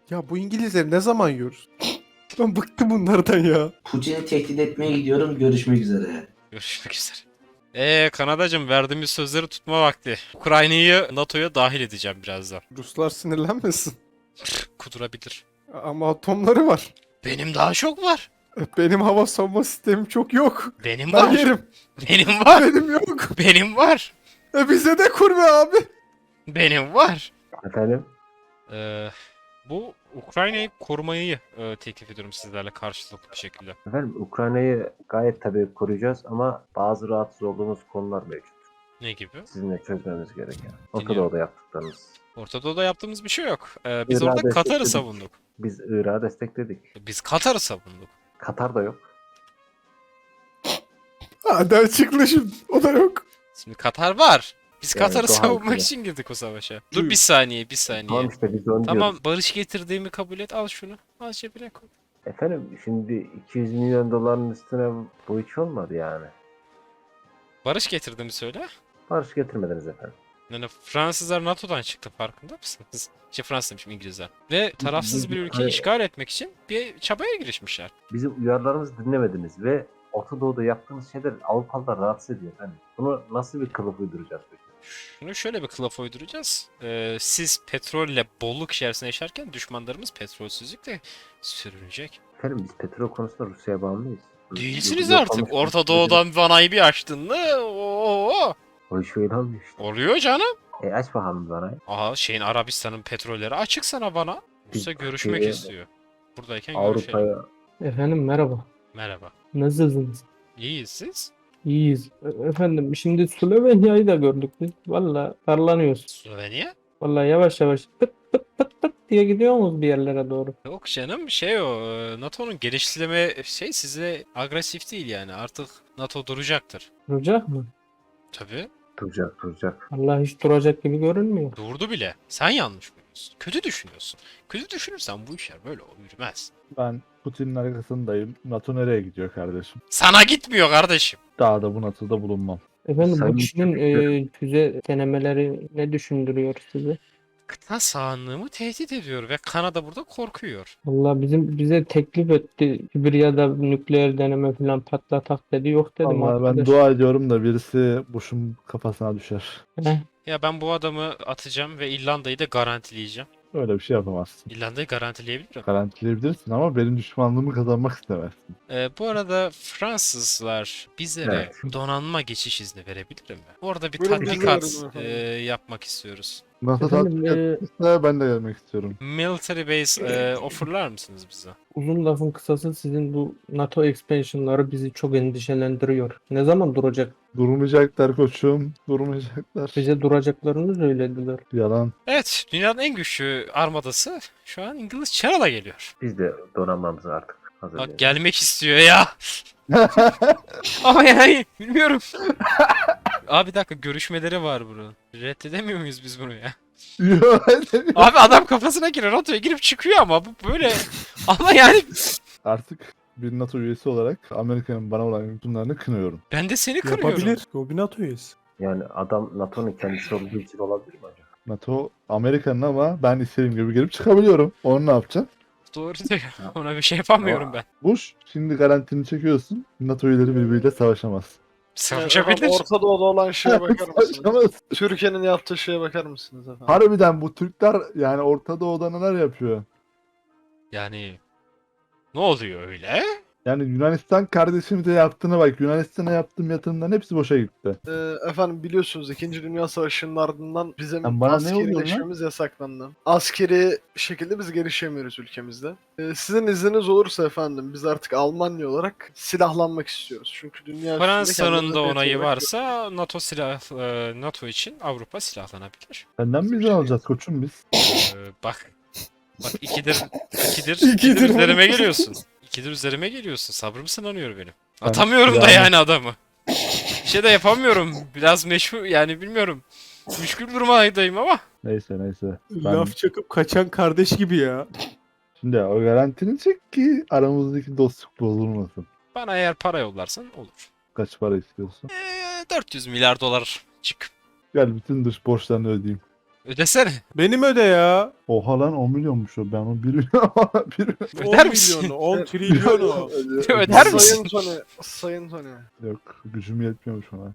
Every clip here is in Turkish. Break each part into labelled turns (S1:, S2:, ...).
S1: Ya bu İngilizleri ne zaman yiyoruz? Ben bıktım bunlardan ya.
S2: Putin'i tehdit etmeye gidiyorum. Görüşmek üzere.
S3: Görüşmek üzere. Kanadacığım, verdiğimiz sözleri tutma vakti. Ukrayna'yı NATO'ya dahil edeceğim birazdan.
S1: Ruslar sinirlenmesin.
S3: Kudurabilir.
S1: Ama atomları var.
S3: Benim daha çok var.
S1: Benim hava savunma sistemim çok yok.
S3: Benim
S1: Ben
S3: var.
S1: yerim.
S3: Benim var.
S1: Benim yok.
S3: Benim var.
S1: Bize de kur be abi.
S3: Benim var.
S4: Efendim?
S3: Ee, Bu Ukrayna'yı korumayı teklif ediyorum sizlerle karşılıklı bir şekilde.
S4: Efendim Ukrayna'yı gayet tabii koruyacağız ama bazı rahatsız olduğumuz konular mevcut.
S3: Ne gibi?
S4: Sizinle çözmemiz gereken. Orta
S3: Dinliyorum.
S4: Doğu'da yaptıklarınız.
S3: Orta Doğu'da yaptığımız bir şey yok. Biz
S4: İran'da
S3: orada Katar'ı
S4: destekledik.
S3: savunduk.
S4: Biz Irak'ı destekledik.
S3: Biz Katar'ı savunduk.
S4: Katar da yok.
S1: Hadi açıklaşın. O da yok.
S3: Şimdi Katar var. Biz
S4: Yani
S3: Katar'ı
S4: doğal
S3: savunmak
S4: gibi.
S3: için girdik o savaşa. Dur bir saniye, bir saniye.
S4: Tamam işte biz de onu
S3: Tamam,
S4: diyoruz.
S3: barış getirdiğimi kabul et. Al şunu. Al cebine koy.
S4: Efendim şimdi 200 milyon doların üstüne bu hiç olmadı yani.
S3: Barış getirdiğimi söyle.
S4: Barış getirmediniz efendim.
S3: Yani Fransızlar NATO'dan çıktı, farkında mısınız? Fransız demişim, İngilizler. Ve tarafsız bir ülkeyi
S4: Hayır.
S3: işgal etmek için bir çabaya girişmişler.
S4: Bizim uyarılarımızı dinlemediniz ve Orta Doğu'da yaptığınız şeyler Avrupalılar rahatsız ediyor efendim. Bunu nasıl bir kılıf uyduracağız peki?
S3: Şunu şöyle bir kılıf uyduracağız. Siz petrolle bolluk içerisinde yaşarken düşmanlarımız petrolsüzlükle sürünecek.
S4: Efendim biz petrol konusunda Rusya'ya bağımlıyız.
S3: Değilsiniz
S4: Yok,
S3: artık.
S4: olmuş.
S3: Orta Doğu'dan vanayı bir açtın mı? Oo.
S4: O iş öyle olmuyor işte.
S3: Oluyor canım.
S4: Aç bakalım bana.
S3: Aha, Arabistan'ın petrolleri açık sana bana. Rusya
S4: Biz
S3: görüşmek
S4: Türkiye'ye,
S3: istiyor. Buradayken görüşelim.
S4: Avrupa'ya
S5: Efendim merhaba.
S3: Merhaba.
S5: Nasılsınız?
S3: İyiyiz siz?
S5: İyiyiz. Efendim şimdi Slovenya'yı da gördük biz. Valla darlanıyoruz.
S3: Slovenya?
S5: Valla yavaş yavaş pıt pıt pıt pıt diye gidiyoruz bir yerlere doğru.
S3: Yok canım, NATO'nun genişleme size agresif değil yani, artık NATO duracaktır.
S5: Duracak mı?
S3: Tabii,
S4: duracak.
S5: Allah hiç duracak gibi görünmüyor.
S3: durdu bile. Sen yanlış görüyorsun. Kötü düşünüyorsun. Kötü düşünürsen bu işler böyle yürümez.
S6: Ben Putin'in arkasındayım. NATO nereye gidiyor kardeşim?
S3: Sana gitmiyor kardeşim.
S6: Daha da bu NATO'da bulunmam.
S5: Efendim bu
S4: Sayın
S5: kişinin
S4: Türkler-
S5: füze denemeleri ne düşündürüyor sizi?
S3: Kıta sahanlığımı tehdit ediyor ve Kanada burada korkuyor.
S5: Valla bize teklif etti. Sibirya'da nükleer deneme falan patlatak dedi. Yok dedim
S6: Vallahi ben
S5: arkadaş.
S6: dua ediyorum da birisi Bush'un kafasına düşer.
S5: Heh,
S3: Ya ben bu adamı atacağım ve İrlanda'yı da garantileyeceğim.
S6: Öyle bir şey yapamazsın.
S3: İrlanda'yı garantileyebilirim.
S6: Garantileyebilirsin ama benim düşmanlığımı kazanmak istemezsin.
S3: Bu arada Fransızlar bizlere
S4: Evet.
S3: donanma geçiş izni verebilir mi? Orada bir
S1: Buyurun, biz de
S3: tatbikat
S1: verelim efendim.
S3: yapmak istiyoruz.
S6: NATO
S5: Efendim,
S6: tatbikat etmişse ben de gelmek istiyorum.
S3: Military base offerlar mısınız bize?
S5: uzun lafın kısası sizin bu NATO expansion'ları bizi çok endişelendiriyor. Ne zaman duracak?
S6: Durmayacaklar koçum. Durmayacaklar.
S5: Bize duracaklarını söylediler.
S6: Yalan.
S3: Evet, dünyanın en güçlü armadası şu an İngiliz Channel'a geliyor.
S4: Biz de donanmamızı artık
S3: Bak,
S4: hazırlayalım.
S3: gelmek istiyor ya. Ama yani bilmiyorum. Abi bir dakika, görüşmeleri var bunun. Reddedemiyor muyuz biz bunu ya?
S6: Yok.
S3: Abi adam kafasına giriyor, NATO'ya girip çıkıyor ama bu böyle. Ama yani
S6: Artık bir NATO üyesi olarak Amerika'nın bana olan hükümlerini kınıyorum.
S3: ben de seni kırıyorum.
S1: Yapabilir. O bir NATO üyesi.
S4: Yani adam NATO'nun kendisi olduğu için olabilir mi acaba?
S6: NATO Amerika'nın ama ben istediğim gibi girip çıkabiliyorum. Onu ne yapacağım?
S3: Doğru diyor. Ona bir şey yapamıyorum ben.
S6: Bush şimdi garantini çekiyorsun. NATO üyeleri birbiriyle savaşamaz.
S3: Savaşabilir.
S7: Orta Doğu'da olan şeye bakar mısınız?
S6: Savaşamaz.
S7: Türkiye'nin yaptığı şeye bakar mısınız efendim?
S6: Harbiden bu Türkler yani Orta Doğu'da neler yapıyor?
S3: Yani ne oluyor öyle?
S6: Yani Yunanistan kardeşimize yaptığına bak. Yunanistan'a yaptığım yatırımların hepsi boşa gitti.
S7: Efendim biliyorsunuz 2. Dünya Savaşı'nın ardından bizim
S6: Sen bana ne oluyorsun lan?
S7: askerileşmemiz yasaklandı. Askeri şekilde biz gelişemiyoruz ülkemizde. Sizin izniniz olursa efendim biz artık Almanya olarak silahlanmak istiyoruz. Çünkü dünya üstünde
S3: Fransa'nın
S7: kendimize
S3: da
S7: tehdit
S3: onayı
S7: olarak
S3: varsa NATO için Avrupa silahlanabilir.
S6: Senden mi izin alacağız koçum biz?
S3: Bak. Bak ikidir
S1: İkidir.
S3: üzerime geliyorsun. İkidir üzerime geliyorsun. Sabrım sınanıyor benim.
S6: Ben-
S3: Atamıyorum da
S6: yani-
S3: yani adamı. Bir şey de yapamıyorum. Biraz meşhur yani, bilmiyorum. Müşkül durumdayım ama.
S6: Neyse. Ben
S1: Laf çakıp kaçan kardeş gibi ya.
S6: şimdi o garantini çek ki aramızdaki dostluk bozulmasın.
S3: Bana eğer para yollarsan olur.
S6: Kaç para istiyorsun?
S3: 400 milyar dolar çık.
S6: Gel bütün dış borçlarını ödeyeyim.
S3: Ödesene.
S1: Benim öde ya.
S6: Oha lan 10 milyonmuş o. Ben onu 1 milyon... 1
S3: Öder
S1: 10
S3: misin?
S1: milyonu, 10 trilyonu.
S3: Öder misin?
S7: Sayın Tony, Sayın Tony.
S6: Yok gücüm yetmiyormuş ona.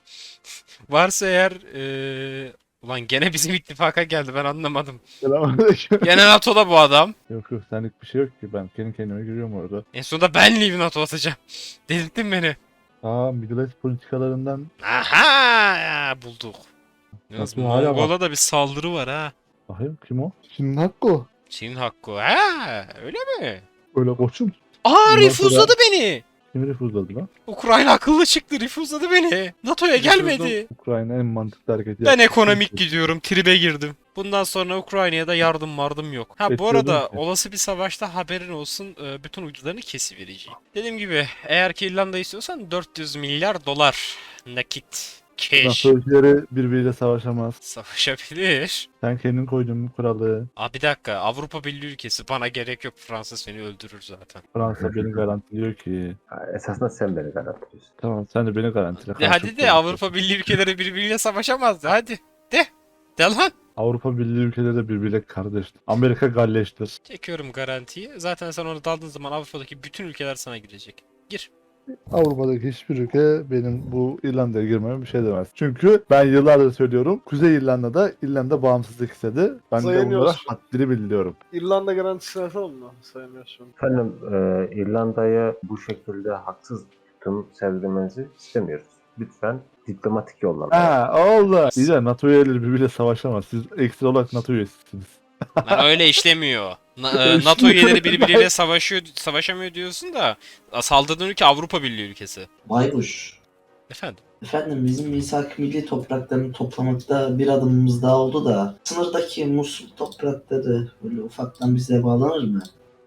S3: Varsa eğer ulan gene bizim ittifaka geldi ben anlamadım.
S6: Selamünaleyküm.
S3: Gene NATO'da bu adam.
S6: Yok yok senlik bir şey yok ki. Ben kendi kendime giriyorum orada.
S3: En sonunda ben Leave NATO atacağım. Delirttin beni.
S6: Aa Middle East politikalarından
S3: Aha bulduk. Yalnız
S6: Nasıl hala bak.
S3: Mongola da bir saldırı var ha.
S6: bakayım kim o?
S1: Şimdi hakkı.
S3: Çin hakkı. Ha öyle mi?
S6: Öyle koçum.
S3: Aa
S6: Ondan
S3: refuzladı beni.
S6: Kim refuzladı lan?
S3: Ukrayna akıllı çıktı refuzladı beni. NATO'ya gelmedi.
S6: Ukrayna en mantıklı hareketi
S3: Ben
S6: yaptı.
S3: ekonomik gidiyorum. Tribe girdim. Bundan sonra Ukrayna'ya da yardım yok. Ha bu
S6: Bekliyordum
S3: arada
S6: ki.
S3: olası bir savaşta haberin olsun bütün uydularını kesivereceğim. Dediğim gibi eğer ki İrlanda istiyorsan 400 milyar dolar nakit. Cash.
S6: NATO ülkeleri birbiriyle savaşamaz.
S3: Savaşabilir.
S6: Sen kendin koyduğun bu kuralı.
S3: Aa bir dakika Avrupa Birliği ülkesi bana gerek yok Fransa seni öldürür zaten.
S6: Fransa beni garantiliyor ki.
S4: Ha, esasında sen beni garantiliyorsun.
S6: Tamam sen de beni garantile.
S3: De hadi de Avrupa Birliği ülkeleri birbiriyle savaşamazdı hadi. De lan.
S6: Avrupa Birliği ülkeleri de birbiriyle kardeştir. Amerika galleştir.
S3: Çekiyorum garantiyi. Zaten sen onu daldığın zaman Avrupa'daki bütün ülkeler sana girecek. Gir.
S6: Avrupa'daki hiçbir ülke benim bu İrlanda'ya girmeme bir şey demez. Çünkü ben yıllardır söylüyorum. Kuzey İrlanda'da İrlanda bağımsızlık istedi. Ben de onlara
S7: Sayamıyorsun.
S6: haddini bildiriyorum.
S7: İrlanda garantisini atalım mı? Sayamıyorsun.
S4: Efendim İrlanda'ya bu şekilde haksız tutum sevdirmenizi istemiyoruz. Lütfen diplomatik yollarla.
S6: Ha oldu. İyi de NATO üyeleri birbiriyle savaşamaz. Siz ekstra olarak NATO üyesisiniz.
S3: Lan öyle işlemiyor. NATO üyeleri birbiriyle savaşamıyor diyorsun da saldırdığın ülke Avrupa Birliği ülkesi.
S2: Baykuş.
S3: Efendim?
S2: Efendim bizim misak milli topraklarını toplamakta bir adımımız daha oldu da sınırdaki Musul toprakları böyle ufaktan bize bağlanır mı?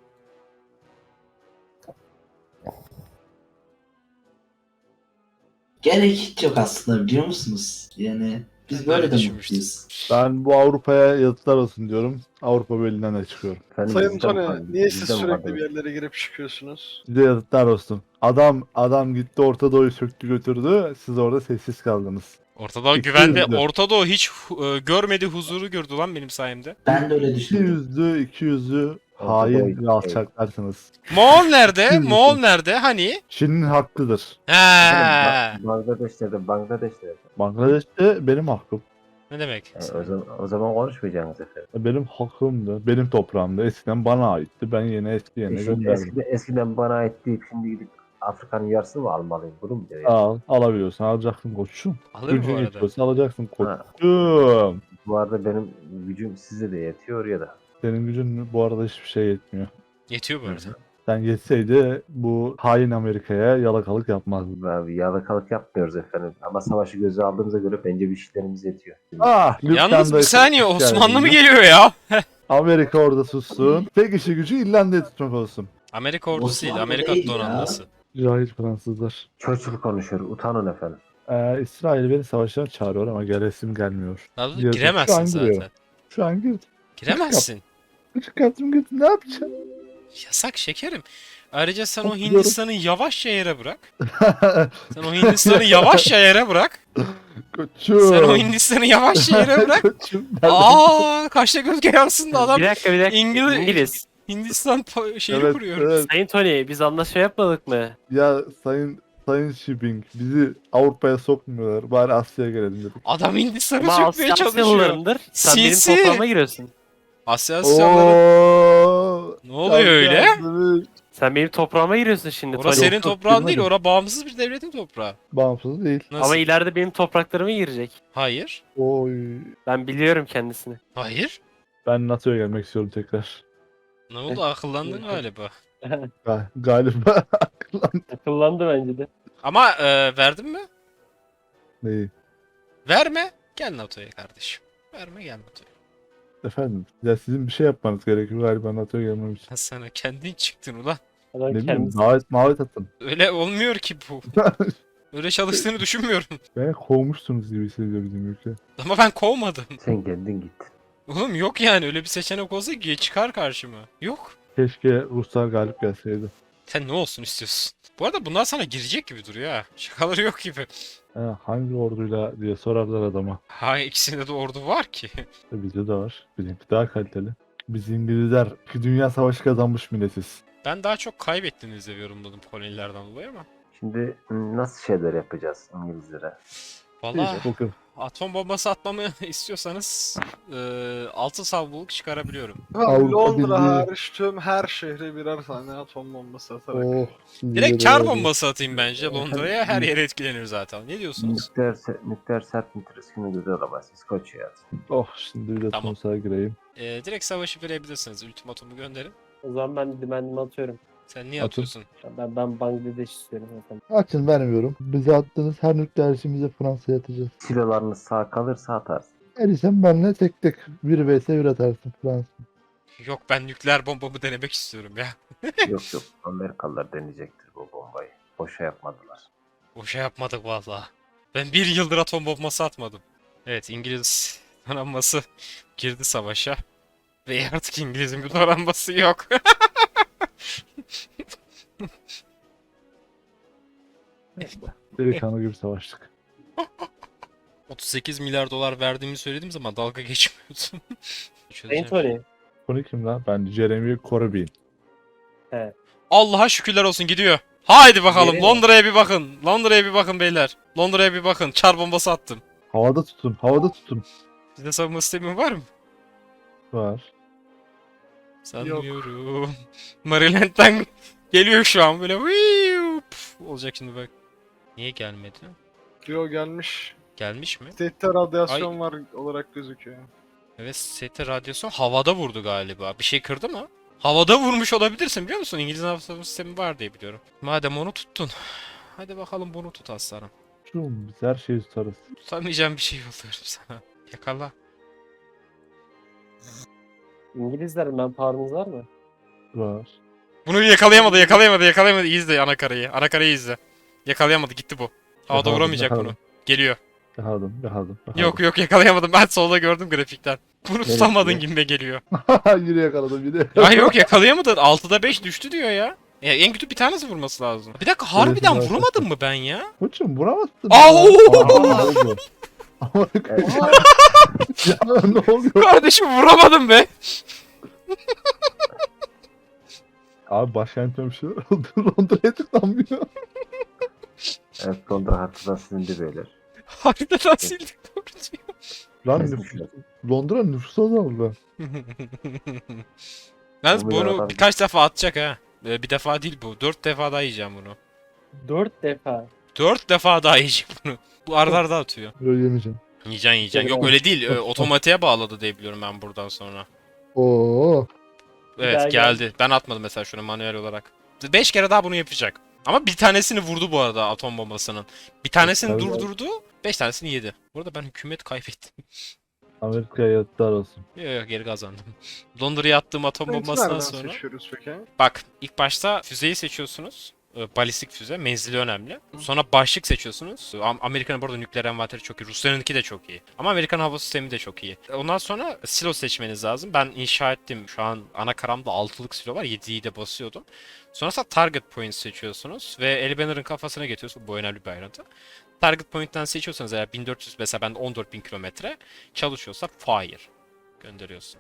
S2: Gerek hiç yok aslında biliyor musunuz? Yani biz böyle de
S3: Düşünmüştüm.
S2: mutluyuz.
S6: Ben bu Avrupa'ya yazıklar olsun diyorum. Avrupa Birliği'nden de çıkıyorum.
S4: Efendim,
S7: Sayın
S4: bizden
S7: Tony,
S4: kaldı,
S7: niye siz
S4: bizden
S7: sürekli
S4: kaldı.
S7: bir yerlere girip çıkıyorsunuz?
S6: Size yazıklar olsun. Adam gitti Orta Doğu'yu söktü götürdü. Siz orada sessiz kaldınız.
S3: Ortadoğu
S6: İki
S3: güvende.
S6: yüzlü.
S3: Ortadoğu hiç görmedi huzuru gördü lan benim sayemde.
S2: Ben de öyle
S6: İki
S2: düşündüm.
S6: yüzlü, iki yüzlü
S4: Orta Doğu
S6: hain
S4: iki-
S6: ve alçaklarsınız.
S3: Moğol nerede?
S6: Kim
S3: Moğol
S6: misin?
S3: nerede? Hani?
S6: Çin'in hakkıdır.
S3: He.
S4: Bangladeş'te.
S6: Bangladeş'te benim hakkım.
S3: Ne demek?
S4: O zaman konuşmayacaksınız efendim.
S6: Benim hakkımdı. Benim toprağımda. Eskiden bana aitti. Ben yine eski yerine gönderdim.
S4: Eskiden bana ait deyip şimdi gidip Afrika'nın yarısını mı almalıyım? Bunu mu diyor?
S6: Al, alabiliyorsan alacaksın koçum.
S3: Alır bu
S6: Gücün
S3: arada.
S6: yetiyorsa alacaksın
S4: Ha.
S6: koçum.
S4: Bu arada benim gücüm size de yetiyor ya da.
S6: Senin gücün bu arada hiçbir şey yetmiyor.
S3: Yetiyor bu arada.
S6: Sen yetseydi bu hain Amerika'ya yalakalık yapmazdın.
S4: Abi, yalakalık yapmıyoruz efendim. Ama savaşı göze aldığımıza göre bence bir işlerimiz yetiyor.
S6: Ah,
S3: Yalnız bir
S6: Lübnan'da
S3: saniye
S6: hoş
S3: Osmanlı mı
S6: geldiniz.
S3: geliyor ya?
S6: Amerika orada sussun. Tek işi gücü İrlanda'yı tutmak olsun.
S3: Amerika ordusu değil,
S2: Osmanlı
S3: Amerika
S2: değil ya.
S3: donanması.
S6: Cahil Fransızlar.
S4: Churchill konuşuyor. Utanın efendim.
S6: İsrail beni savaşa çağırıyor ama gelesim gelmiyor.
S3: Daha
S6: Yazık, şu
S3: giremezsin
S6: an giriyor.
S3: zaten.
S6: Şu an girdim.
S3: Giremezsin.
S6: Çıkarttım gittim ne yapacağım?
S3: Yasak şekerim. Ayrıca sen o
S6: Hatırlıyorum.
S3: Hindistan'ı yavaşça yere bırak. Sen o Hindistan'ı yavaşça yere bırak.
S6: Koçum.
S3: Sen o Hindistan'ı yavaşça yere bırak.
S6: Koçum.
S3: Aa, kaşla göz yansın da adam
S8: Bir dakika.
S3: İngiliz-
S8: İngiliz.
S3: Hindistan şeyi
S6: Evet,
S3: kuruyor.
S6: evet.
S8: Sayın Tony biz anlaşma yapmadık mı?
S6: Ya sayın Shipping bizi Avrupa'ya sokmuyorlar. Bari Asya'ya gelelim dedik.
S3: Adam Hindistan'ı
S8: Ama
S3: sökmeye
S8: Asya
S3: çalışıyor.
S8: Asyalılarındır. Sen
S3: Sinsi.
S8: benim toprağıma giriyorsun.
S3: Asya Asyalıları.
S6: Oo.
S3: Ne oluyor öyle?
S6: Yalnız
S8: Sen benim toprağıma giriyorsun şimdi
S3: Orası
S8: Tony.
S3: senin
S6: Yok,
S3: toprağın değil,
S6: girmedim.
S3: orası bağımsız bir devletin toprağı.
S6: Bağımsız değil.
S3: Nasıl?
S8: Ama ileride benim topraklarıma girecek.
S3: Hayır.
S6: Oy.
S8: Ben biliyorum kendisini.
S3: Hayır.
S6: Ben NATO'ya gelmek istiyorum tekrar.
S3: Ne oldu? Akıllandın galiba.
S6: Galiba
S8: Akıllandı bence de.
S3: Ama verdin mi?
S6: neyi?
S3: Verme. Gel NATO'ya kardeşim. Verme gel NATO'ya.
S6: Efendim ya sizin bir şey yapmanız gerekiyor galiba NATO'ya gelmem için.
S3: Ha, sana kendin çıktın ulan.
S8: Adam
S6: Ne bileyim
S8: kendisi.
S6: davet atın.
S3: Öyle olmuyor ki bu. Öyle çalıştığını düşünmüyorum.
S6: Beni kovmuşsunuz gibi hissediyor bizim ülke.
S3: Ama ben kovmadım.
S4: Sen kendin git.
S3: Oğlum yok yani öyle bir seçenek olsa ki çıkar karşıma. Yok.
S6: Keşke Ruslar galip gelseydi.
S3: Sen ne olsun istiyorsun? Bu arada bunlar sana girecek gibi duruyor ha. Şakaları yok gibi.
S6: Hangi orduyla diye sorarlar adama.
S3: Ha, ikisinde de ordu var ki.
S6: Bizde de var. Bizimki daha kaliteli. Biz İngilizler 2 Dünya Savaşı kazanmış milletiz.
S3: Ben daha çok kaybettiğinizi yorumladım kolonilerden dolayı ama.
S4: Şimdi nasıl şeyler yapacağız İngilizlere?
S3: Valla
S6: Bakın.
S3: atom bombası atmamı istiyorsanız altın savluluk çıkarabiliyorum.
S6: Avrupa
S7: Londra
S6: Birliği.
S7: hariç tüm her şehre birer tane atom bombası atarak.
S6: Oh.
S3: Direkt kar bombası atayım bence Londra'ya, her yer etkilenir zaten. Ne diyorsunuz?
S4: Nükleer serpinti riskini göze alamaz. İskoçya'ya atın.
S6: Oh şimdi bir de
S3: Tamam.
S6: Tunus'a gireyim.
S3: Direkt savaşı verebilirsiniz. Ultimatomu gönderin.
S8: O zaman ben dimendimi atıyorum.
S3: Sen niye
S6: Atın.
S3: atıyorsun?
S8: Ben Bangladeş istiyorum zaten.
S6: Açın vermiyorum. Bize attığınız her nükleer işimizi Fransa'ya atacağız.
S4: Silolarınız sağ kalırsa atarsın.
S6: Erişen benle tek tek 1 vs 1 atarsın Fransa.
S3: Yok, ben nükleer bombamı denemek istiyorum ya.
S4: Yok yok, Amerikalılar deneyecektir bu bombayı. Boşa yapmadılar.
S3: Boşa yapmadık valla. Ben bir yıldır atom bombası atmadım. Evet, İngiliz donanması girdi savaşa. Ve artık İngiliz'in bir donanması yok.
S6: Delikanlı gibi savaştık.
S3: 38 milyar dolar verdiğimi söylediğim zaman dalga geçmiyordum. Çözeceğim.
S8: Tony.
S6: Bunu kim lan? Ben Jeremy Corbyn.
S3: Allah'a şükürler olsun, gidiyor. Haydi bakalım,
S8: Nereye?
S3: Londra'ya bir bakın. Londra'ya bir bakın beyler. Londra'ya bir bakın. Çar bombası attım.
S6: Havada tutun, havada tutun.
S3: Sizde savunma sistemi var mı?
S6: Var.
S3: Sanmıyorum. Maryland'den geliyor şu an böyle. Olacak şimdi bak. Niye gelmedi?
S7: Rio gelmiş.
S3: Gelmiş mi?
S7: State'te radyasyon var olarak gözüküyor.
S3: Evet, sete radyasyon havada vurdu galiba. Bir şey kırdı mı? Havada vurmuş olabilirsin, biliyor musun? İngiliz hava savunma sistemi var diye biliyorum. Madem onu tuttun. Hadi bakalım bunu tut aslanım.
S6: Şum, biz her şeyi tutarız.
S3: Tutamayacağım bir şey yolluyorum sana. Yakala.
S8: İngilizler manpower'ınız var mı?
S6: Var.
S3: Bunu yakalayamadı. İzle anakarayı izle. Yakalayamadı, gitti bu. Havada
S6: Yakaladım,
S3: vuramayacak bunu.
S6: yakaladım.
S3: Geliyor.
S6: Yakaladım.
S3: Yok yakalayamadım, ben solda gördüm grafikten. Bunu
S4: Neresi
S3: tutamadın
S4: ya?
S3: gibime geliyor.
S6: Yine yakaladım, yine.
S3: Ya yok, yakalayamadın. 6'da 5 düştü diyor ya. En kötü bir tanesi vurması lazım. Bir dakika, harbiden
S6: Evet,
S3: vuramadım mı ben ya?
S6: Koçum vuramazsın.
S3: Aa,
S6: ya.
S3: oo!
S6: Aa, ne oldu? Ama ya ne oluyor?
S3: Kardeşim, vuramadım be.
S6: Abi başkentim bir şey oldu. Londra'ya tıklanmıyor.
S4: Evet, Londra haritadan silindi beyler.
S3: Harbiden sildik, doğru diyor.
S6: Lan
S4: Kesmişler.
S6: Londra nüfusu azaldı.
S3: Yalnız
S4: Bu milyar
S3: bunu
S4: adam-
S3: birkaç defa atacak ha. Bir defa değil bu. 4 defa daha yiyeceğim bunu.
S8: 4 defa.
S3: 4 defa daha yiyecek bunu. Bu arada atıyor.
S6: Böyle yemeyeceğim.
S3: Yiyeceksin. Yok öyle değil. Otomatiğe bağladı diye biliyorum ben buradan sonra.
S6: Oo.
S3: Evet,
S8: Daha
S3: geldi. Ben atmadım mesela şunu manuel olarak. 5 kere daha bunu yapacak. Ama bir tanesini vurdu bu arada atom bombasının. Bir tanesini
S6: Tabii.
S3: durdurdu. 5 tanesini yedi. Burada ben hükümet kaybettim.
S6: Amerika'ya yazıklar olsun.
S3: Yok, geri kazandım. Londra'ya attığım atom
S7: State'i
S3: bombasından
S7: nereden
S3: sonra.
S7: seçiyoruz peki?
S3: Bak, ilk başta füzeyi seçiyorsunuz. Balistik füze, menzili önemli. Sonra başlık seçiyorsunuz. Amerika'nın burada nükleer envanteri çok iyi. Rusya'nınki de çok iyi. Ama Amerikan hava sistemi de çok iyi. Ondan sonra silo seçmeniz lazım. Ben inşa ettim. Şu an ana karamda 6'lık silo var. 7'yi de basıyordum. Sonrasında target point seçiyorsunuz. Ve El Banner'ın kafasına getiriyorsunuz. Bu önemli bir ayrıntı. Target point'ten seçiyorsanız eğer 1400, mesela ben 14.000 kilometre çalışıyorsa fire gönderiyorsun.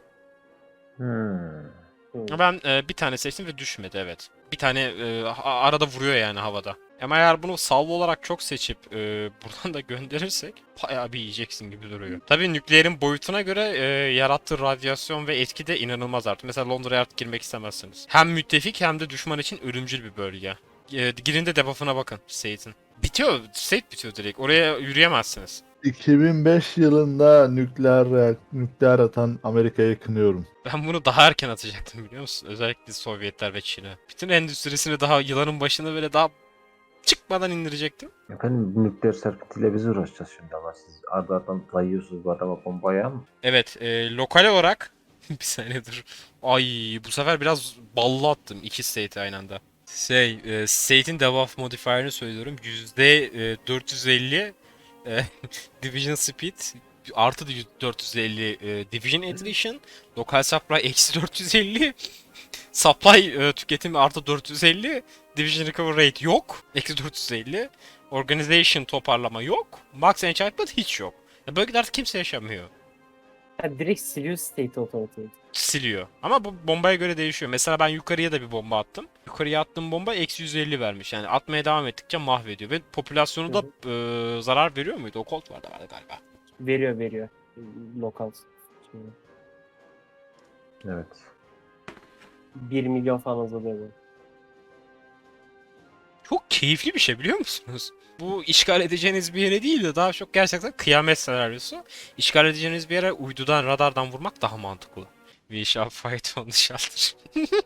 S3: Ama ben bir tane seçtim ve düşmedi, evet. Bir tane arada vuruyor yani havada. Ama eğer bunu salvo olarak çok seçip buradan da gönderirsek bayağı bir yiyeceksin gibi duruyor. Tabii nükleerin boyutuna göre yarattığı radyasyon ve etki de inanılmaz artık. Mesela Londra'ya artık girmek istemezsiniz. Hem müttefik hem de düşman için ölümcül bir bölge. Girin de debuff'ına bakın Sate'in. Bitiyor, Sate bitiyor direkt. Oraya yürüyemezsiniz.
S6: 2005 yılında nükleer atan Amerika'yı kınıyorum.
S3: Ben bunu daha erken atacaktım, biliyor musun? Özellikle Sovyetler ve Çin'e. Bütün endüstrisini daha yılanın başına böyle daha çıkmadan indirecektim.
S4: Efendim, bu nükleer serpintiyle biz uğraşacağız şimdi ama siz ardardan dayıyorsunuz bu adama bombayı ama.
S3: Evet, lokal olarak bir saniye dur. Ay, bu sefer biraz ballı attım iki state'i aynı anda. State'in debuff modifier'ını söylüyorum. %450 Division Speed artı 450 Division Attrition, Local Supply eksi 450, Supply tüketimi artı 450, Division Recovery Rate yok. Eksi 450. Organization toparlama yok. Max Enchantment hiç yok. Ya bölgede artık kimse yaşamıyor.
S8: Ha, direkt siliyor State Authority'yi.
S3: Siliyor. Ama bu bombaya göre değişiyor. Mesela ben yukarıya da bir bomba attım. Yukarıya attığım bomba eksi 150 vermiş. Yani atmaya devam ettikçe mahvediyor. Ve popülasyonu da zarar veriyor muydu? O Colt vardı galiba.
S8: Veriyor. Lokal. Şimdi
S4: Evet.
S8: 1 milyon falan azalıyor bu.
S3: Çok keyifli bir şey biliyor musunuz? Bu işgal edeceğiniz bir yere değil de daha çok gerçekten kıyamet senaryosu. İşgal edeceğiniz bir yere uydudan, radardan vurmak daha mantıklı. We shall fight on the shelter.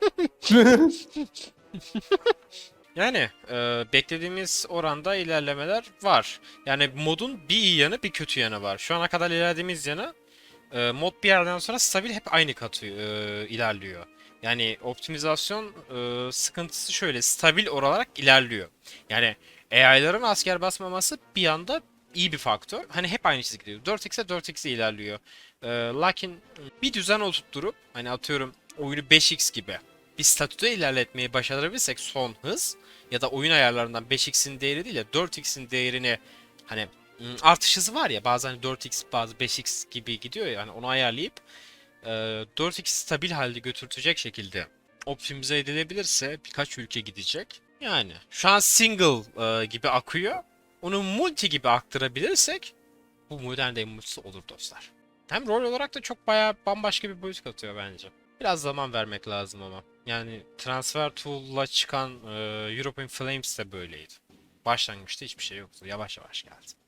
S3: Yani beklediğimiz oranda ilerlemeler var. Yani modun bir iyi yanı bir kötü yanı var. Şu ana kadar ilerlediğimiz yanı mod bir yerden sonra stabil hep aynı katı ilerliyor. Yani optimizasyon sıkıntısı şöyle stabil olarak ilerliyor. Yani AI'ların asker basmaması bir anda iyi bir faktör. Hani hep aynı çizgi gidiyor. 4x'e 4x'e ilerliyor. Lakin bir düzen oturtturup hani atıyorum oyunu 5x gibi bir statüde ilerletmeyi başarabilirsek son hız ya da oyun ayarlarından 5x'in değeri değil de 4x'in değerini hani artış hızı var ya bazen hani 4x bazı 5x gibi gidiyor ya hani onu ayarlayıp 4x stabil halde götürtecek şekilde optimize edilebilirse birkaç ülke gidecek. Yani şu an single gibi akıyor. Onu multi gibi aktarabilirsek bu modern day multisi olur dostlar. Hem rol olarak da çok bayağı bambaşka bir boyut katıyor bence. Biraz zaman vermek lazım ama. Yani Transfer Tool'la çıkan European Flames de böyleydi. Başlangıçta hiçbir şey yoktu. Yavaş yavaş geldi.